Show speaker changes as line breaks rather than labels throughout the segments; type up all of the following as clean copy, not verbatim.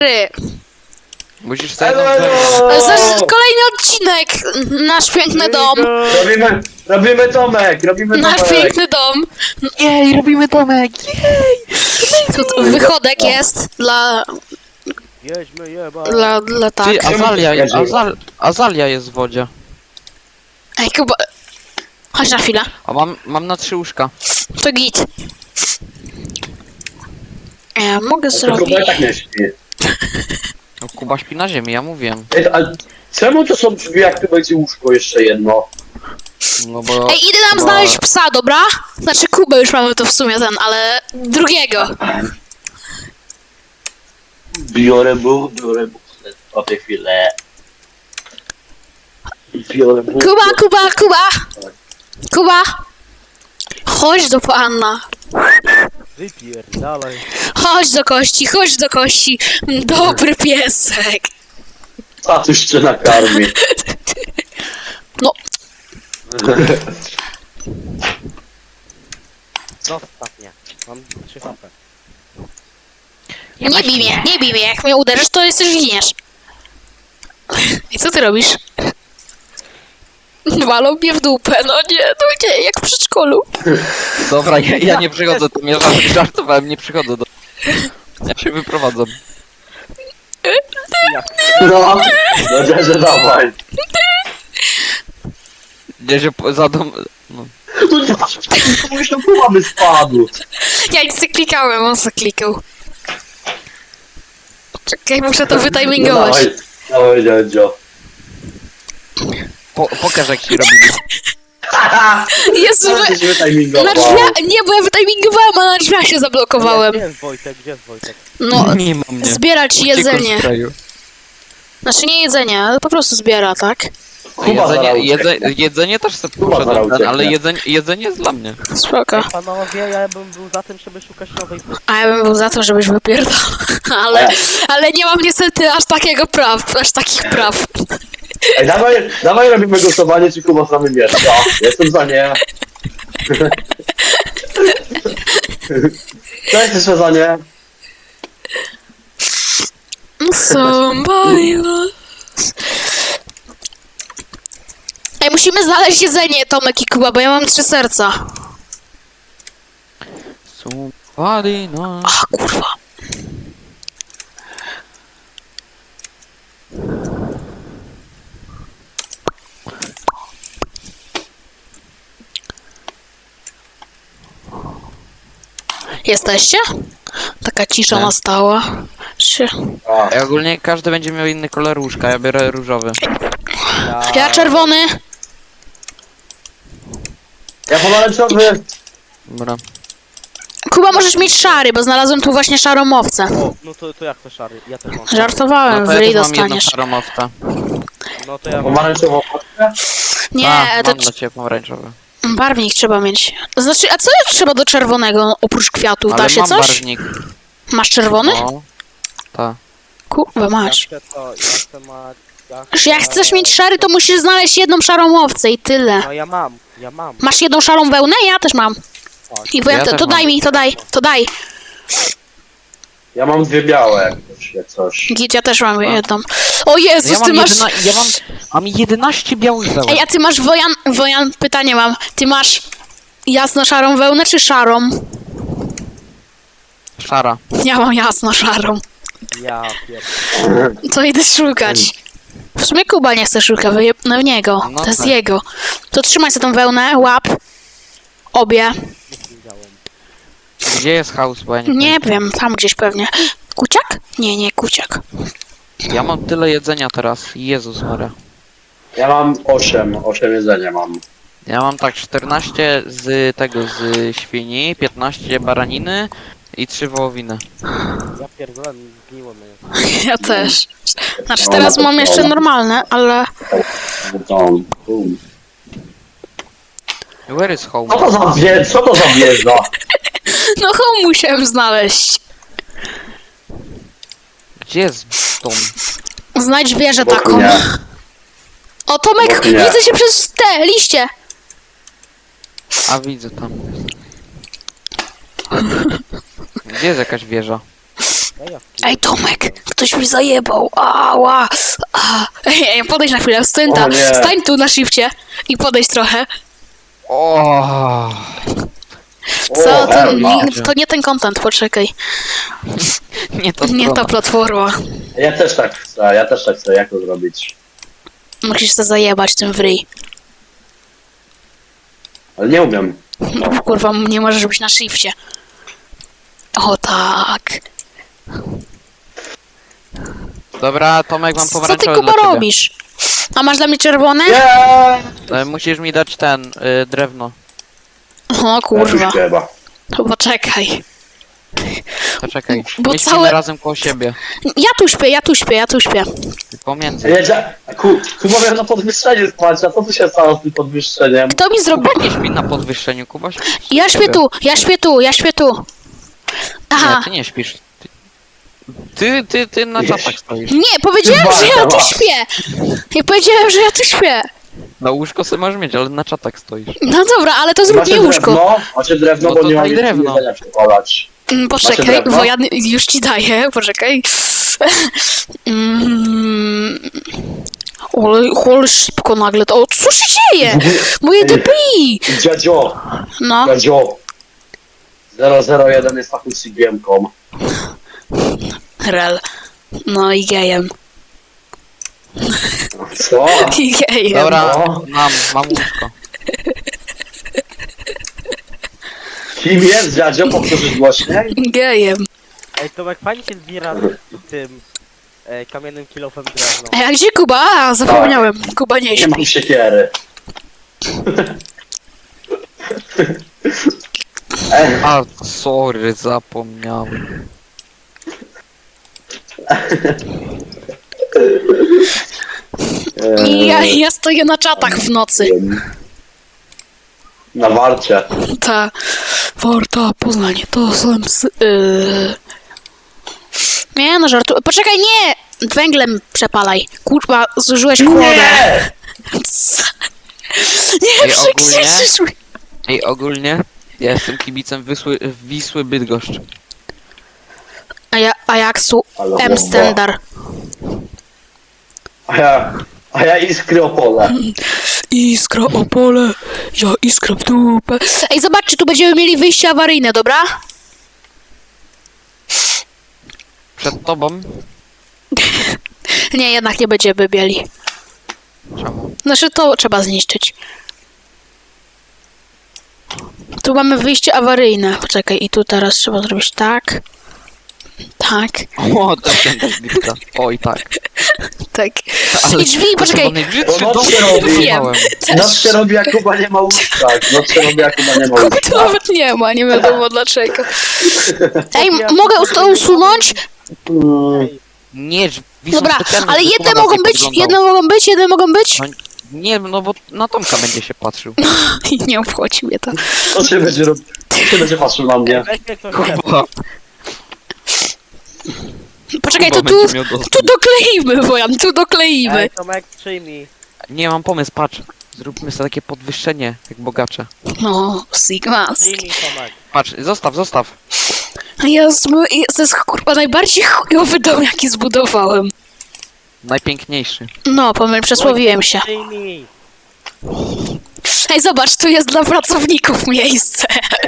Musisz sobie...
Kolejny odcinek! Nasz piękny dom!
Robimy domek, robimy
Nasz
domek.
piękny dom!
Jej, robimy domek!
Tu wychodek jest dla...
Jedźmy jeba.
Dla tak.
Ty, Azalia jest w wodzie.
Ej, Kuba... Chodź na chwilę.
A mam na 3 łóżka.
To git. Ja mogę
To
zrobić...
Kuba i tak nie śpi.
No, Kuba śpi na ziemi, ja mówiłem.
Ej, a czemu to są drzwi, jak tu będzie łóżko jeszcze jedno?
No bo...
Ej, idę nam
Kuba-
znaleźć psa, dobra? Znaczy Kubę już mamy to w sumie ale... drugiego.
Biorę buch, o tej chwilę. Biorę buch.
Kuba! Chodź do pana.
Wypierdalaj.
Chodź do kości. Dobry piesek.
Tatuś cię nakarmi.
No,
Zostaw mnie. Mam 3 HP.
nie bij mnie. Jak mnie uderzysz, to jesteś giniesz. I co ty robisz? Walą mnie w dupę, no nie, jak w przedszkolu.
Dobra, ja nie przychodzę, to mnie żartowałem, nie przychodzę do... Ja się wyprowadzam.
No, że dawaj.
Nie się za dom... No.
No nie, komuś tam Kuba by spadł.
Ja nic nie klikałem, on se klikał. Czekaj, muszę to wytimingować.
Dawaj, dziadzio.
Pokaż jak się robimy.
Jezu,
Co ty się
na
wytimingował?
drzwiach, nie, bo ja wytimingowałem, a na drzwiach się zablokowałem.
Gdzie jest Wojtek? Gdzie jest Wojtek?
No,
Nie mam mnie.
zbierać jedzenie.
Sprayu.
Znaczy nie jedzenie, ale po prostu zbiera, tak?
Kuba zaraz ucieknie.
Jedzenie też sobie
Kuba zaraz
poszedłem,
ucieknie.
ale jedzenie jest dla mnie.
Spoko.
Panowie, ja bym był za tym, żeby szukać nowej postaci.
A ja bym był za to, żebyś wypierdał. Ale nie mam niestety aż takich praw.
Ej, dawaj robimy głosowanie, czy Kuba z nami mieszka. Jestem za nie. Co jesteś za nie?
Somebody was... Ej, musimy znaleźć jedzenie, Tomek i Kuba, bo ja mam 3 serca.
Somebody no.
A, kurwa. Jesteście? Taka cisza
Nie.
nastała.
A,
Ej, ogólnie każdy będzie miał inny kolor łóżka, ja biorę różowy.
Ja czerwony.
ja pomarańczowy.
Dobra.
Kuba, możesz mieć szary, bo znalazłem tu właśnie szarą owcę.
O, no to jak to szary? Ja też mam.
Żartowałem,
No to ja
wyryj
też mam jedną
dostaniesz.
szaromowca.
No to ja mam.
Pomarańczową.
Nie, to
mam dla ciebie pomarańczowy.
barwnik trzeba mieć. Znaczy, a co trzeba do czerwonego oprócz kwiatów? Da
Ale
się
mam
coś?
barwnik.
Masz czerwony?
No. Tak.
Kurwa,
Ja
masz.
chcę to, ja chcę ma...
Jak chcesz mieć szary, to musisz znaleźć jedną szarą owcę i tyle.
No ja mam.
Masz jedną szarą wełnę? Ja też mam.
Tak.
I bo ja
Ja
to
też
daj
mam.
mi, to daj.
Ja mam 2 białe, jak to się coś.
Git, ja też mam jedną. O Jezus, ty masz...
Mam 11 białych wełen.
Ej, a ty masz, Wojan, pytanie mam. Ty masz jasno-szarą wełnę czy szarą?
Szara.
Ja mam jasno-szarą.
Ja pierdolę.
To idę szukać. W sumie Kuba nie chce szukać, no w niego.
No
To jest
tak.
jego. To trzymaj sobie tą wełnę, łap. Obie.
Nie widziałem.
Gdzie jest house, bo ja nie
Nie wiem, tam gdzieś pewnie. Kuciak? Nie, kuciak.
Ja mam tyle jedzenia teraz. Jezus Maria.
Ja mam 8 jedzenia mam.
Ja mam tak 14 z świni, 15 baraniny i 3 wołowiny.
Ja pierdolę, zgniło mnie.
Ja też. Znaczy teraz mam jeszcze normalne, ale...
Where is home?
Co to za wieża?
No home musiałem znaleźć.
Gdzie jest dom?
Znajdź wieżę
Bo
taką.
nie.
O Tomek,
Bo nie.
widzę się przez te liście.
A widzę tam. Gdzie jest jakaś wieża?
Zajawki.
Ej, Tomek, ktoś mi zajebał. Ała. Ej, podejdź na chwilę,
O nie.
stań tu na shifcie i podejdź trochę.
O,
Co? To,
Herma.
to nie ten content, poczekaj.
nie to
Nie ta
strona.
platforma.
Ja też tak chcę, jak to zrobić?
Musisz to zajebać tym w ryj.
Ale nie umiem.
No, kurwa, nie możesz być na shifcie. O tak.
Dobra, Tomek, mam
Co ty,
pomarańczowe
Kuba,
dla ciebie.
robisz? A masz dla mnie czerwone?
Nie!
Musisz mi dać ten, drewno.
O kurwa.
Chyba.
To poczekaj.
Poczekaj,
Bo
my śpimy
całe-
razem koło siebie.
Ja tu śpię.
Pomiędzy.
Kuba miał na podwyższeniu spać, a co tu się stało z tym podwyższeniem?
Kto mi zrobił?
Kuba nie śpi na podwyższeniu, Kuba śpi.
Ja śpię tu. Aha.
Nie, ty nie śpisz. Ty na czatach stoisz.
Nie, powiedziałem, że ja tu śpię. Nie powiedziałem, że ja tu śpię.
Na łóżko sobie możesz mieć, ale na czatach stoisz.
No dobra, ale to zrób mi łóżko.
Macie drewno,
No
bo
to
nie mam
daj drewno.
jedzenia przepalać.
Poczekaj,
drewno?
bo ja już ci daję, poczekaj. Ale szybko nagle to. O, co się dzieje? Moje DPI!
Dziadzio, 001 jest taką CGM-ką.
Rel. No i gejem.
Co?
I gejem.
Dobra,
No.
mam łóżko.
Kim jest dziadzio? Powtórzysz głośniej?
Gejem.
Ej, Tomek, fajnie się zbiera tym kamiennym kilofem drewno.
A ja gdzie Kuba? A, zapomniałem. Kuba nie
Nie mam
śpi.
siekiery.
A, sorry, zapomniałem.
I ja stoję na czatach w nocy.
Na warcie.
Ta Warta Poznań to są psy. Nie no, żartu. Poczekaj, nie! Węglem przepalaj. Kurwa, zużyłeś kłodę.
Nie!
Nie,
Ej,
przekrzyczysz mi.
Ej, ogólnie ja jestem kibicem Wisły Bydgoszcz.
A jak su
Ale
M
bomba.
Stendar.
A ja iskry Opole.
Iskra Opole, ja iskra w dupę. Ej, zobaczcie, tu będziemy mieli wyjście awaryjne, dobra?
Przed tobą?
Nie, jednak nie będziemy mieli.
Czemu?
Znaczy, to trzeba zniszczyć. Tu mamy wyjście awaryjne. Poczekaj, i tu teraz trzeba zrobić tak. Tak,
O, to się bliska. Oj, tak.
tak.
Ale
I drzwi,
to
poczekaj.
chyba najbrzydszy
Bo
dom,
noc się
jaki
robi.
budowałem.
Noc się robi, jak Kuba nie ma łóżka. Noc się robi, jak Kuba nie ma
Kuby
łóżka.
tu nawet nie ma, nie wiadomo dlaczego. Ej, mogę to usunąć?
Nie, drzwi są
Dobra,
specjalne,
ale
żeby
jedne
Kuba nas
mogą
nie
być,
podglądał.
jedne mogą być.
No, nie, no bo na Tomka będzie się patrzył.
I nie obchodzi mnie to.
Co się będzie robił? Co się będzie patrzył na mnie?
Weź mnie ktoś
Kuba,
Poczekaj,
Kuba
to tu,
będzie miał dostęp.
tu dokleimy, Wojan, tu dokleimy.
Ej, Tomek, przyjmij.
Nie, mam pomysł, patrz. Zróbmy sobie takie podwyższenie, jak bogacze.
No, Sigma.
Przyjmij, Tomek.
Patrz, zostaw.
To jest kurwa najbardziej chujowy dom, jaki zbudowałem.
Najpiękniejszy.
No, przesłowiłem się.
Przyjmij.
Ej, zobacz, tu jest dla pracowników miejsce.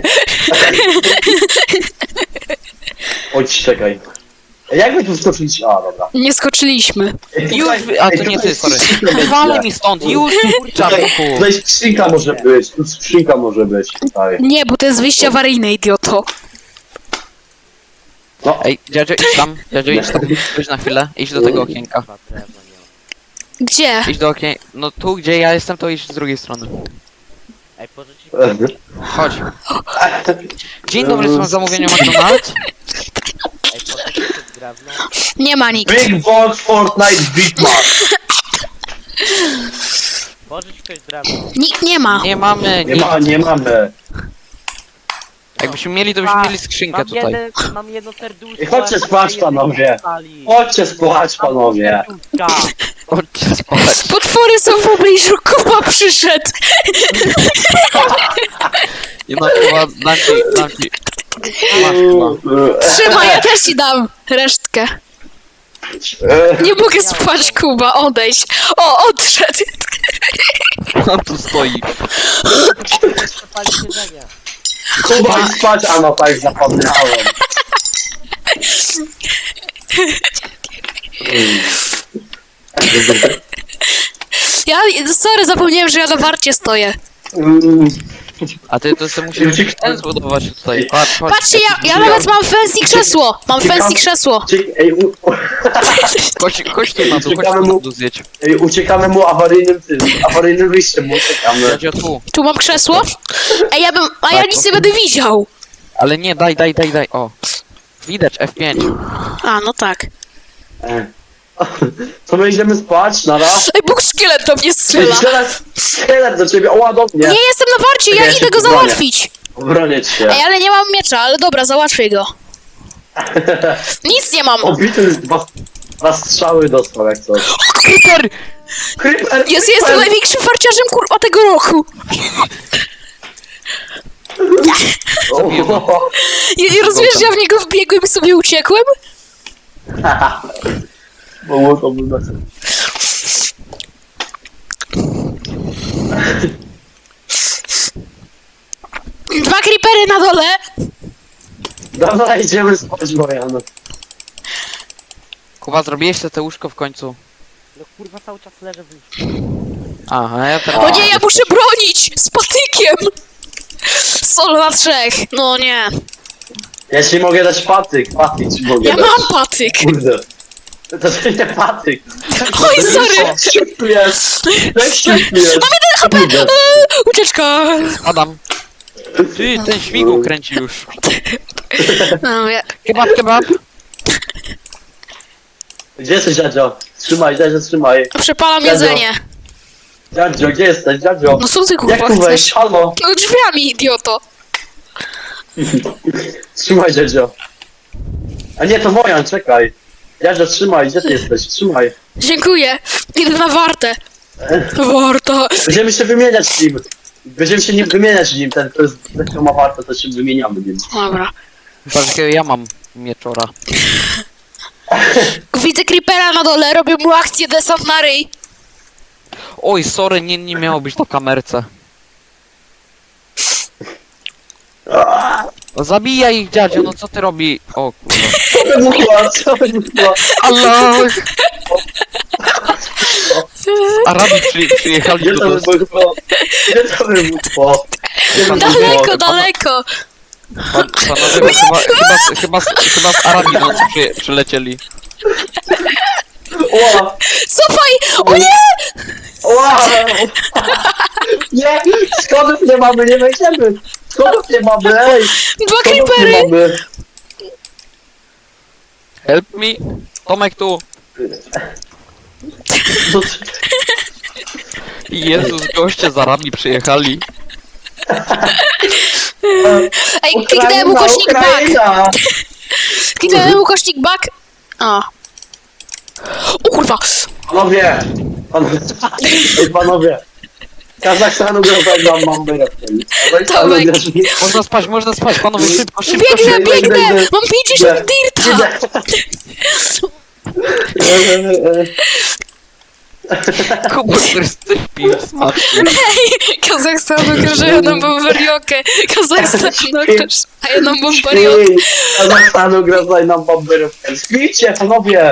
Chodź, czekaj. Jak wy tu skoczyliście? A, dobra.
Nie skoczyliśmy.
Już, a to nie ty, sorry. Wal mi stąd, już, czarnuchu.
Tutaj skrzynka może być, tu skrzynka może być, tutaj.
Nie, bo to jest wyjście awaryjne, idioto.
No,
Ej, dziadzio, idź tam, idź na chwilę, idź do tego okienka.
Chyba drewno nie ma.
Gdzie?
Idź do okienka, no tu gdzie ja jestem, to idź z drugiej strony.
Ej, pożyczyć
Chodź. Dzień dobry, są zamówienia McDonald's?
Ej, pożyczyć drewno.
Nie ma nikt.
Big Box Fortnite Big Mac.
Pożycz ktoś drewno.
Nikt nie ma.
Nie mamy,
Nie mamy.
Jakbyśmy mieli, to byśmy mieli skrzynkę tutaj.
Mam jedno serduszko.
Ej, chodźcie spać, panowie. Chodźcie spać, panowie.
Chodźcie spać.
Potwory są w pobliżu, Kuba przyszedł.
Nie no, chyba dam ci Masz chyba.
Trzymaj, ja też ci dam resztkę. Nie mogę spać, Kuba, odejdź. O, odszedł.
On tu stoi.
Palić jedzenie.
Kuba i spać, a no tak zapomniałem.
Ja, sorry, zapomniałem, że ja na warcie stoję.
A ty to sobie musisz ten zbudować tutaj. Patrz, chodź.
Patrzcie, ja nawet mam fancy krzesło. Mam fancy krzesło.
Ej,
Chodź tu na dół, chodź tu na dół zjedź.
uciekamy mu awaryjnym wyjściem mu uciekamy.
Jadzio tu.
Tu mam krzesło. Ej, a ja nic nie będę widział.
Ale nie, daj. O. Widać, F5.
A, no tak.
To my idziemy spać, raz.
Ej, Bóg szkielet do mnie
Ej,
strzela.
szkielet do ciebie, o ładownie.
Nie jestem na warcie, ja
Ja się
idę go
tu bronię.
załatwić.
Bronię cię.
Ej, ale nie mam miecza, ale dobra, załatwię go. Nic nie mam.
Obity dwa strzały dostał jak coś.
Creeper!
Creeper!
Jestem największym farciarzem, kurwa, tego roku. I rozumiesz, że ja w niego wbiegłem i sobie uciekłem?
Było to by na
Dwa creepery na dole.
Dobra, idziemy spać, Bojan.
Kuba, zrobiłeś sobie te łóżko w końcu.
No kurwa cały czas leżę w łóżku.
Aha, ja teraz...
O nie, ja muszę bronić! Z patykiem! Solo na trzech. No nie.
Ja ci mogę dać patyk ci mogę
Ja
dać.
mam patyk.
Kurde. To nie patyk.
Oj, sorry.
Jest.
Mam 1 HP. Ucieczka.
Adam. Ty, ten śmigł kręci już.
No,
Kebab.
Gdzie jesteś, dziadzio? Trzymaj, dziadzio, trzymaj.
przepalam
Dziadzio.
jedzenie.
Dziadzio, gdzie jesteś, dziadzio?
No co ty
Jak
kurwa
tu wejść?
chcesz?
Halo?
No drzwiami, idioto.
Trzymaj, dziadzio. A nie, to Wojan, czekaj. Dziadzio, trzymaj, gdzie ty jesteś? Trzymaj.
Dziękuję. Idę na wartę. Warta.
Będziemy się wymieniać nim. Będziemy się nim wymieniać nim. Ten, kto ma warto, to się wymieniamy nim.
Dobra.
Patrz, jakiego ja mam mieczora.
Widzę creepera na dole, robię mu akcję desant na ryj.
Oj, sorry, nie miało być na kamerce. No zabijaj ich, dziadzio, no co ty robi? O kurwa.
Co wybuchła?
Allah! Arabi przyjechali
Gdzie
do
to
nas.
wybuchło? Gdzie to wybuchło? Gdzie to
Daleko,
wybuchło?
daleko.
Panowie, chyba z Arabii do nas przylecieli.
Ła!
Cofaj! O nie!
Ła! Nie! Schodów nie mamy, nie wejdziemy! Schodów nie mamy, ej!
Dwa
Schodów nie
creepery!
mamy!
Help me! Tomek tu!
No,
Jezus, goście z Arabii przyjechali.
Ej, kliknąłem ukośnik back.
Ukraina!
Kliknąłem ukośnik back. O. O kurwa!
Panowie! Ej, panowie! Kazachstanu grozaj nam mamy
Tomek.
Można spać, panowie, szybko.
Biegnę! Mam 50 dirta!
Kuba, który pił smacznie.
Ej! Kazachstan ograża jedną bombariokę. Kazachstan ograża jedną bombariokę.
Kazachstanu grozaj nam bomberówkę. Śpijcie, panowie!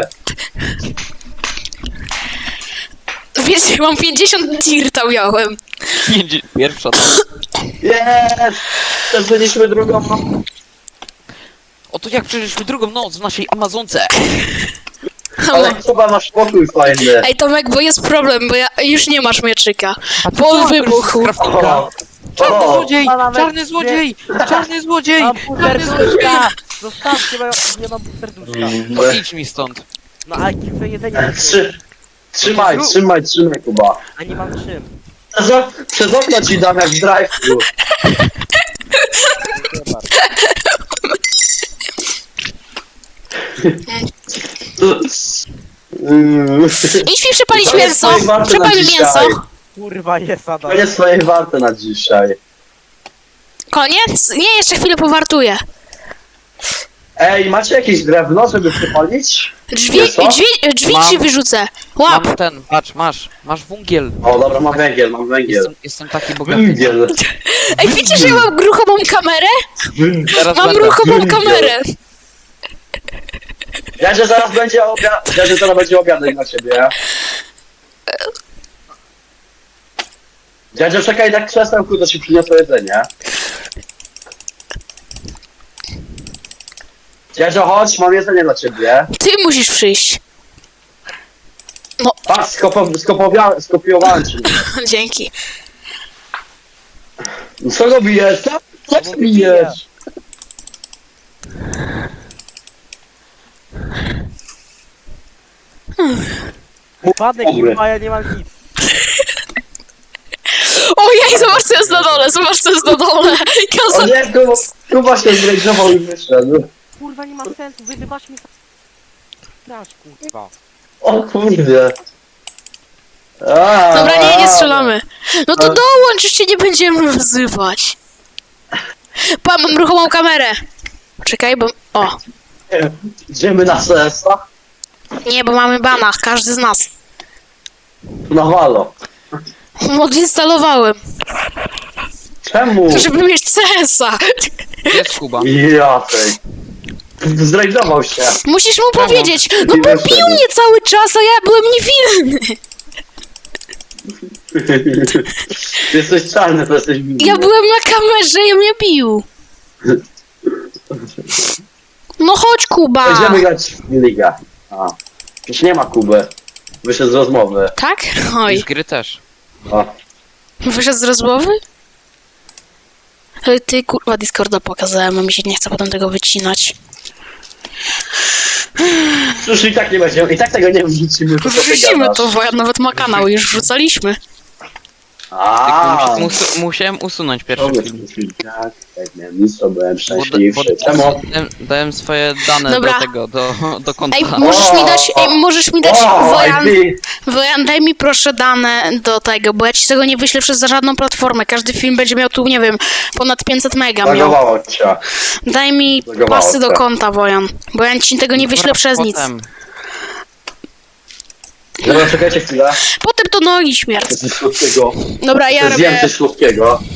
Wiecie, mam 50 dirta miałem.
Pierwsza.
Jest! Przeżyliśmy drugą noc.
Oto jak przeżyliśmy drugą noc w naszej Amazonce.
Ale chyba masz pokój fajny.
Ej Tomek, bo jest problem, bo już nie masz mieczyka.
A ty
Po
co,
wybuchu.
Kraftinga?
O,
Czarny
o,
złodziej!
Pana
Czarny złodziej! Czarny złodziej!
Mam pół
Czarny złodziej!
serduszka! Zostawcie, bo ja nie mam pół serduszka.
No idź mi stąd.
No ale chcę jedzenie,
Trzymaj, Kuba.
a nie mam czym.
Przez okno ci dam jak w drive-thru.
Dziękuję bardzo.
Idź mi przepalić
To jest
mięso.
twoje warte na
Przepal mi
dzisiaj.
mięso.
Kurwa jest Adam.
Koniec swojej warty na dzisiaj.
Koniec? Nie, jeszcze chwilę powartuję.
Ej, macie jakieś drewno, żeby przypalić?
Drzwi,
Wiesz co?
drzwi
Mam.
ci wyrzucę. Łap.
Mam ten, patrz, masz węgiel.
O, dobra, mam węgiel.
Jestem taki bogaty.
Węgiel.
Ej, widzicie, że ja mam ruchomą kamerę?
Teraz
Mam
będę.
ruchomą
Węgiel.
kamerę.
Dziadzie zaraz będzie obiadek dla ciebie. Dziadzie, czekaj na krzesełku, to ci przyniosę jedzenie. Dziadzio, chodź, mam jedzenie dla ciebie.
Ty musisz przyjść.
Patrz, skopiowałem cię.
Dzięki.
Co go bijesz? Co bijesz?
Upadek a ja nie mam nic.
Ojej, zobacz co jest na dole, zobacz co jest na dole.
O nie, Kuba się zrejdował i wyszedł.
Kurwa, nie ma sensu, wyzywasz mnie. Dasz, kurwa.
O kurde.
Dobra, nie strzelamy. No to dołącz, już cię nie będziemy wzywać. Pa, mam ruchomą kamerę. Czekaj, bo... O,
Idziemy na CS-a?
nie, bo mamy bana, każdy z nas.
Na halo.
Odinstalowałem,
Czemu?
żeby mieć CS-a.
Gdzie jest Kuba?
Ja tej. Zrejdował się.
Musisz mu powiedzieć, no
I
bo
wyszedł.
bił mnie cały czas, a ja byłem niewinny.
Ty jesteś czarny, to jesteś winny.
Ja byłem na kamerze i mnie bił. No chodź, Kuba.
Będziemy grać w ligę. A. Już nie ma Kuby. Wyszedł z rozmowy.
Tak?
I
Oj,
z gry też.
O.
wyszedł z rozmowy? Ale ty, kurwa, Discorda pokazałem, a mi się nie chce potem tego wycinać.
Już i tak nie będziemy, i tak tego nie wrzucimy. to co ty
Wrzucimy
gadasz.
to, bo ja nawet ma kanał, już wrzucaliśmy.
A.
Musiałem usunąć pierwszy film.
Tak, miałem nic, to byłem
Bo
szczęśliwszy. Czemu?
dałem swoje dane
Dobra.
do tego, do konta.
Ej, możesz mi dać, Wojan,
IP.
Wojan, daj mi proszę dane do tego, bo ja ci tego nie wyślę przez żadną platformę. Każdy film będzie miał tu, nie wiem, ponad 500 mega miał.
Zagowało cię.
Daj mi
Zagowało
pasy do
cię.
konta, Wojan, bo ja ci tego nie wyślę przez nic.
Potem.
Dobra, czekajcie chwilę.
Potem to nogi śmierć.
Coś słodkiego.
Dobra, ja
Zjem
robię...
coś słodkiego.